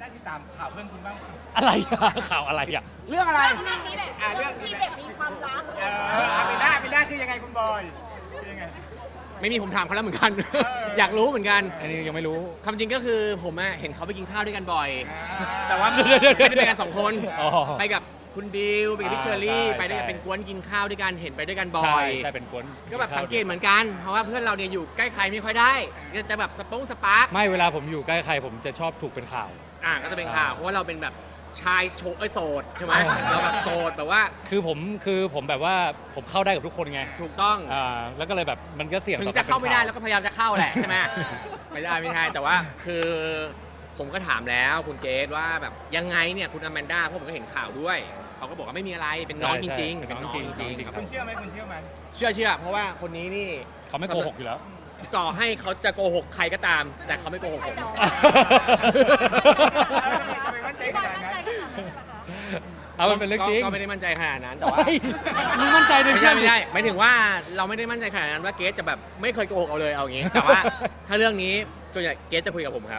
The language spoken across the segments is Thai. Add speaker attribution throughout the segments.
Speaker 1: ได้ติดตามข่าวเพื่อนคุณบ้างไหม
Speaker 2: อะไรอะข่าวอะไรอ่ะ
Speaker 1: เรื่องอะไร
Speaker 3: เรื่องนี้แหละ
Speaker 1: เรื่อง
Speaker 3: ที่แบบมีความรัก
Speaker 1: เป็นหน้าคือยังไงคุณบอยคือยังไง
Speaker 4: ไม่มีผมถามเขาแล้วเหมือนกัน
Speaker 1: เออ
Speaker 4: อยากรู้เหมือนกัน
Speaker 2: อันนี้ยังไม่รู้
Speaker 4: ความจริงก็คือผมอะเห็นเขาไปกินข้าวด้วยกันบ่อย
Speaker 1: แต่
Speaker 4: แต่
Speaker 1: ว่า
Speaker 4: ว่าไม่ได้ไปกันสองคน
Speaker 2: อ๋อ
Speaker 4: ไปกับคุณบิวไปกับพี่เชอรี่
Speaker 2: ใช่
Speaker 4: ไปด้วยกัน
Speaker 2: ใช่
Speaker 4: เป็นกวนกินข้าวด้วยกันเห็นไปด้วยกันบ่อ
Speaker 2: ใช่
Speaker 4: ย
Speaker 2: ใช่เป็นกวน
Speaker 4: ก็แบบสังเกตเหมือนกัน เพราะว่าเพื่อนเราเนี่ยอยู่ใกล้ใครไม่ค่อยได้ก็จะแบบสปาร์ก
Speaker 2: ไม่เวลาผมอยู่ใกล้ใครผมจะชอบถูกเป็นข่าว
Speaker 4: ก็จะเป็นข่าวเพราะว่าเราเป็นแบบชายโสดใช่ไหมเราแบบโสดแบบว่า
Speaker 2: คือผมแบบว่าผมเข้าได้กับทุกคนไง
Speaker 4: ถูกต้อง
Speaker 2: แล้วก็เลยแบบมันก็เสี่ยง
Speaker 4: ถึ
Speaker 2: ต่อง
Speaker 4: จะเข้าไม่ได้
Speaker 2: กร
Speaker 4: แล้วก็พยายามจะเข้าแหละใช่ไหม ไม่ใช่แต่ว่าคือผมก็ถามแล้วคุณเกรซว่าแบบยังไงเนี่ยคุณอแมนด้าเพราะผมก็เห็นข่าวด้วยเขาก็บอกว่าไม่มีอะไรเป็นน้องจริงๆเป็นน้องจริงๆครับ
Speaker 1: คุณเชื่อไหมคุณเชื่อไหม
Speaker 4: เชื่อเพราะว่าคนนี้นี่
Speaker 2: เขาไม่โกหกอยู่แล้ว
Speaker 4: ต่อให้เขาจะโกหกใครก็ตาม แต่เขาไม่โกหกผม
Speaker 1: ทำไมมั่นใจขนาดนั้น
Speaker 2: เอามันเป็นเรื่องจริง
Speaker 4: ก็ไม่ได้มั่นใจขนาดนั้นแต่ว่า
Speaker 2: เฮ้ยมึงมั่นใจใน
Speaker 4: ไม่
Speaker 2: เพื่
Speaker 4: ใช่
Speaker 2: อน
Speaker 4: ไม่ใช่หมายถึงว่าเราไม่ได้มั่นใจขนาดนั้นว่าเกสจะแบบไม่เคยโกหกเอาเลยเอาอย่างงี้ แต่ว่าถ้าเรื่องนี้ส่วนใหญ่เกสจะคุยกับผมครับ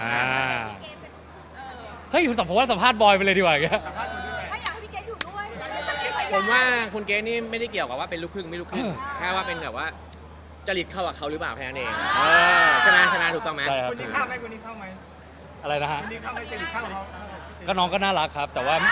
Speaker 2: เฮ้ยผมว่าสัมภาษณ์บอยไปเลยดีกว่าอย่างเงี้ย
Speaker 1: สัมภาษณ์คุณด้วย
Speaker 3: ถ้าอยากให้พี่เกดอยู่ด้วย
Speaker 4: ผมว่าคุณเกสนี่ไม่ได้เกี่ยวกับว่าเป็นลูกครึ่งไม่ลูกครึ่งแค่ว่าเป็นแบบว่าจริตเข้ากับเขาหรือเปล่าแค่นั้นเองใช่ไหมถูกต้องไหม
Speaker 2: ใช่ครับ
Speaker 1: คุณนี่เข้าไหมคุณนี่เข้าไหม
Speaker 2: อะไรนะฮะ
Speaker 1: คุณนี่เข้าไหมจะหลีกเข้าเขา
Speaker 2: ก็น้องก็น่ารักครับ แต่ว่า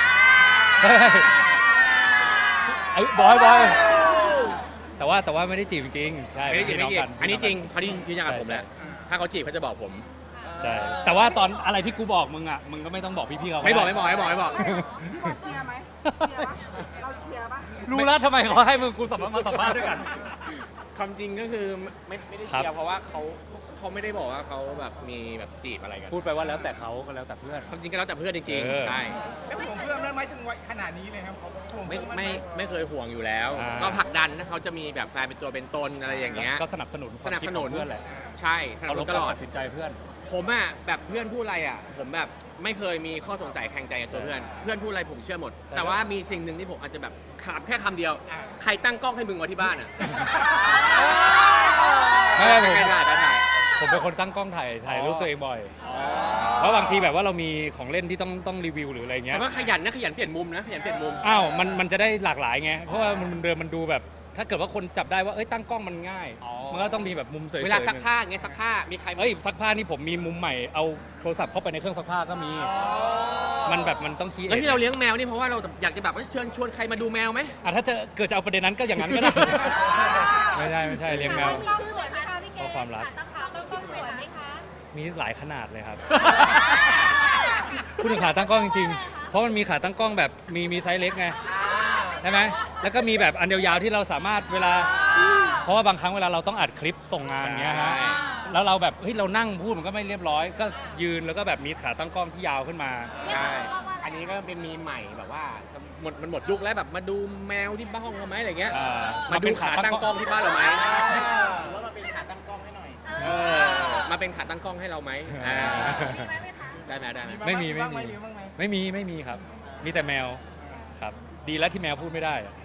Speaker 2: ไอ้บอยแต่ว่าไม่ได้จีบจริงๆใช่
Speaker 4: ไม่ได้จีบไม่จีบ
Speaker 2: กั
Speaker 4: อันนี้จริงเขาที่ยืนยันกับผมแล้วถ้าเขาจีบเขาจะบอกผม
Speaker 2: ใช่แต่ว่าตอนอะไรที่กูบอกมึงอ่ะมึงก็ไม่ต้องบอกพี่ๆเขา
Speaker 4: ไม่บอก
Speaker 2: ด้
Speaker 4: พี่บอย
Speaker 3: เชียร์ไหมเชียร์ปะเราเชียร์ปะ
Speaker 2: รู้แล้วทำไมเขาให้มึงกูมาสัมภาษณ์ด้วยกัน
Speaker 4: ความจริงก็คือไม่ได้
Speaker 2: ครับ
Speaker 4: เชียร์เพราะว่าเขาไม่ได้บอกว่าเขาแบบมีแบบจีบอะไรกัน
Speaker 2: พูดไปว่าแล้วแต่เขาก็แล้วแต่เพื่อน
Speaker 4: ความจริงก็แล้วแต่เพื่อนจริง
Speaker 2: เออ
Speaker 4: ๆใช่
Speaker 1: แล้วผมเพื่อนนั้นไม่ถึงวัยขนาดนี้เลยครับผม
Speaker 4: ไม่เคยห่วงอยู่แล้ว ก็ผลักดันถ้าเขาจะมีแบบแฟนเป็นตัวเป็นตนอะไรอย่างเงี้ย
Speaker 2: ก็สนับสนุนความคิดของเพื่อนแหละ
Speaker 4: ใช่สนับ
Speaker 2: เขา
Speaker 4: ส
Speaker 2: ล
Speaker 4: นุ
Speaker 2: บ
Speaker 4: นต
Speaker 2: การ
Speaker 4: ลอด
Speaker 2: ตัดสินใจเพื่อน
Speaker 4: ผมอะแบบเพื่อนพูดอะไรอะผมแบบไม่เคยมีข้อสงสัยแข่งใจกับตัวเพื่อนเพื่อนพูดอะไรผมเชื่อหมด
Speaker 2: ใช่
Speaker 4: แต่ว่ามีสิ่งหนึ่งที่ผมอาจจะแบบขาดแค่คำเดียว ใครตั้งกล้องให้มึงไว้ที่บ้านอะ
Speaker 2: ไม่ผม
Speaker 4: ได้
Speaker 2: ผมเป็นคนตั้งกล้องถ่ายรูปตัวเองบ่อย เพราะบางทีแบบว่าเรามีของเล่นที่ต้องรีวิวหรืออะไรเงี้
Speaker 4: แต่
Speaker 2: ย
Speaker 4: ว่าขยันนะขยันเปลี่ยนมุมนะขยันเปลี่ยนมุม
Speaker 2: อ้าวมันจะได้หลากหลายไง เพราะว่ามันดูแบบ ถ้าเกิดว่าคนจับได้ว่าเอ้ยตั้งกล้องมันง่าย มันก็ต้องมีแบบมุมสวยๆ
Speaker 4: เวลาซักผ้าอย่างเงี้ยซักผ้ามีใคร
Speaker 2: เอ้ยซักผ้านี่ผมมีมุมใหม่เอาโทรศัพท์เข้าไปในเครื่องซักผ้าก็มี มันแบบมันต้องคิด
Speaker 4: แล้วที่เราเลี้ยงแมวนี่เพราะว่าเราอยากจะแบบว่าเชิญชวนใครมาดูแมวไหม
Speaker 2: ถ้าจะเกิดจะเอาประเด็นนั้นก็อย่างนั้นก็ได้ ไม่ใช่เลี้ยงแมว
Speaker 3: ชื่อสวยไหมคะพี่เกด
Speaker 2: เพราะความรัก
Speaker 3: ตั้งขาตั้งกล้องสวยไหมคะ
Speaker 2: มีหลายขนาดเลยครับ พูดถึงขาตั้งกล้องจริงๆ เพราะมันมีขาตั้งกล้องแบบมีไซส์เล็กไงใช่ไหมแล้วก็มีแบบอันยาวๆที่เราสามารถเวลา เพราะว่าบางครั้งเวลาเราต้องอัดคลิปส่งงานเงี้ยฮะ
Speaker 4: ใช่
Speaker 2: แล้วเราแบบเฮ้ยเรานั่งพูดมันก็ไม่เรียบร้อย ก็ยืนแล้วก็แบบมีขาตั้งกล้องที่ยาวขึ้นมา
Speaker 4: ใช่อันนี้ก็เป็นมีใหม่แบบว่ามันหมดยุคแล้วแบบมาดูแมวที่บ้านเราไหมอะไรเงี้ย มาดูขาตั้งกล้องที่บ้านเราไหมว่ามาเป็นขาตั้งกล้องให้หน่อยมาเป็นขาตั้งกล้องให้เราไหมได้ไหม
Speaker 2: ไม่มี
Speaker 1: บ้างไหมหรือบ้างไหม
Speaker 2: ไม่มีครับ มีแต่แมวครับ ดีแล้วที่แมวพูดไม่ได้อะ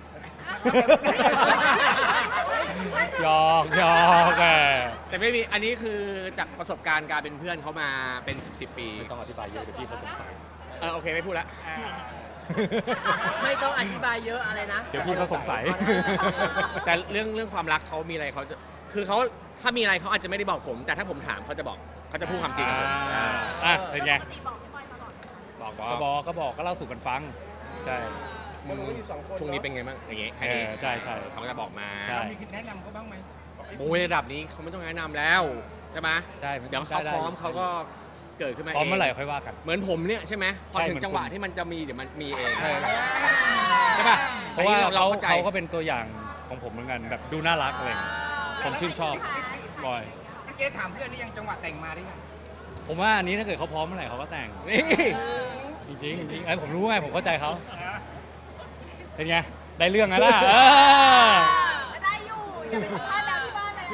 Speaker 2: หยอกแหม
Speaker 4: แต่ไม่มีอันนี้คือจากประสบการณ์การเป็นเพื่อนเขามาเป็น10 ปี
Speaker 2: ไม่ต้องอธิบายเยอะเดี๋ยวพี่เขาสงสัย
Speaker 4: โอเคไม่พูดละ
Speaker 3: ไม่ต้องอธิบายเยอะอะไรนะ
Speaker 2: เดี๋ยวพี่เขาสงสัย
Speaker 4: แต่เรื่องความรักเขามีอะไรเขาจะคือเขาถ้ามีอะไรเขาอาจจะไม่ได้บอกผม แต่ถ้าผมถามเขาจะบอกเขาจะพูดความจริงกับผม
Speaker 2: เป็นไง
Speaker 4: บอก
Speaker 2: ก็บอกก็เล่าสู่กันฟัง ใช่
Speaker 4: มึงช่วงนี้เป็นไงบ้างอย่างเงี้ยแค่นี้
Speaker 2: ใช่
Speaker 4: เขาก็จะบอกมา
Speaker 2: ใช่
Speaker 1: มีคิดแนะนำเขาบ้างไหม
Speaker 4: โอ้ยระดับนี้เขาไม่ต้องแนะนำแล้วใช่ไหม
Speaker 2: ใช่
Speaker 4: เดี๋ยวเขาพร้อมเขาก็เกิดขึ้นมา
Speaker 2: พร้อม
Speaker 4: เอง
Speaker 2: เมื่อไหร่ค่อยว่ากัน
Speaker 4: เหมือนผมเนี่ยใช่ไหมพอ
Speaker 2: ใช่
Speaker 4: ถึง
Speaker 2: เหมือน
Speaker 4: จังหวะ
Speaker 2: คุณ
Speaker 4: ที่มันจะมีเดี๋ยวมันมีเอง
Speaker 2: ใช่
Speaker 4: ใช่ป่ะ
Speaker 2: เพราะว่า
Speaker 4: อันนี้เราเข้าใจ
Speaker 2: เขาก็เป็นตัวอย่างของผมเหมือนกันแบบดูน่ารักอะไรอย่างเงี้ยผมชื่นชอบบ่อย
Speaker 1: เมื่อกี้ถามเพื่อนนี่ยังจังหวะแต่งมาหรือยัง
Speaker 2: ผมว่าอันนี้ถ้าเกิดเขาพร้อมเมื่อไหร่เขาก็แต่ง
Speaker 4: นี่
Speaker 2: จริงไอ้ผมรู้ไงผมเข้าใจเขาเป็นไงได้เรื่องไงล่ะ
Speaker 3: ได้อยู่อย่าไปสัมภาษณ์แล้วที่บ้านเลย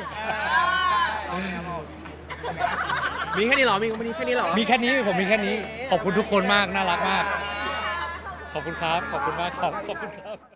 Speaker 4: มีแค่นี้เหรอมีแค่นี้เหรอ
Speaker 2: มีแค่นี้ผมมีแค่นี้ ขอบคุณทุกคนมากน่ารักมาก ขอบคุณครับขอบคุณมากครับขอบคุณครับ